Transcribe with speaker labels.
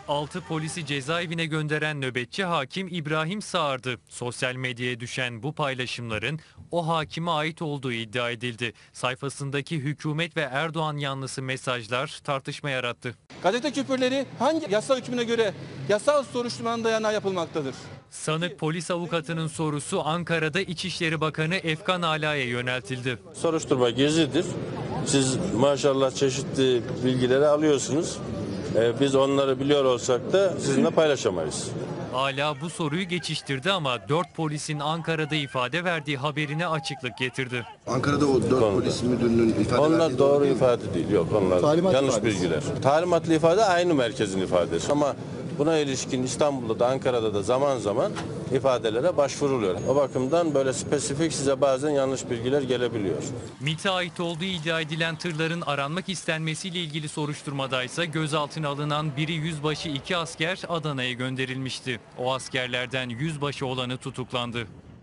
Speaker 1: 6 polisi cezaevine gönderen nöbetçi hakim İbrahim Sağırdı. Sosyal medyaya düşen bu paylaşımların o hakime ait olduğu iddia edildi. Sayfasındaki hükümet ve Erdoğan yanlısı mesajlar tartışma yarattı.
Speaker 2: Gazete küpürleri hangi yasa hükmüne göre yasal soruşturmanın dayanağı yapılmaktadır?
Speaker 1: Sanık polis avukatının sorusu Ankara'da İçişleri Bakanı Efkan Ala'ya yöneltildi.
Speaker 3: Soruşturma gizlidir. Siz maşallah çeşitli bilgileri alıyorsunuz. Biz onları biliyor olsak da sizinle paylaşamayız.
Speaker 1: Ala bu soruyu geçiştirdi ama 4 polisin Ankara'da ifade verdiği haberine açıklık getirdi.
Speaker 4: Ankara'da o 4 polis müdürünün ifade
Speaker 3: Onlar
Speaker 4: verdiği
Speaker 3: doğru
Speaker 4: değil mi?
Speaker 3: ifade değil. Yok, onlar
Speaker 4: Talimat
Speaker 3: yanlış
Speaker 4: ifadesi.
Speaker 3: bilgiler. Talimatlı ifade aynı merkezin ifadesi ama buna ilişkin İstanbul'da da Ankara'da da zaman zaman ifadelere başvuruluyor. O bakımdan böyle spesifik size bazen yanlış bilgiler gelebiliyor.
Speaker 1: MİT'e ait olduğu iddia edilen tırların aranmak istenmesiyle ilgili soruşturmadaysa gözaltına alınan biri yüzbaşı 2 asker Adana'ya gönderilmişti. O askerlerden yüzbaşı olanı tutuklandı.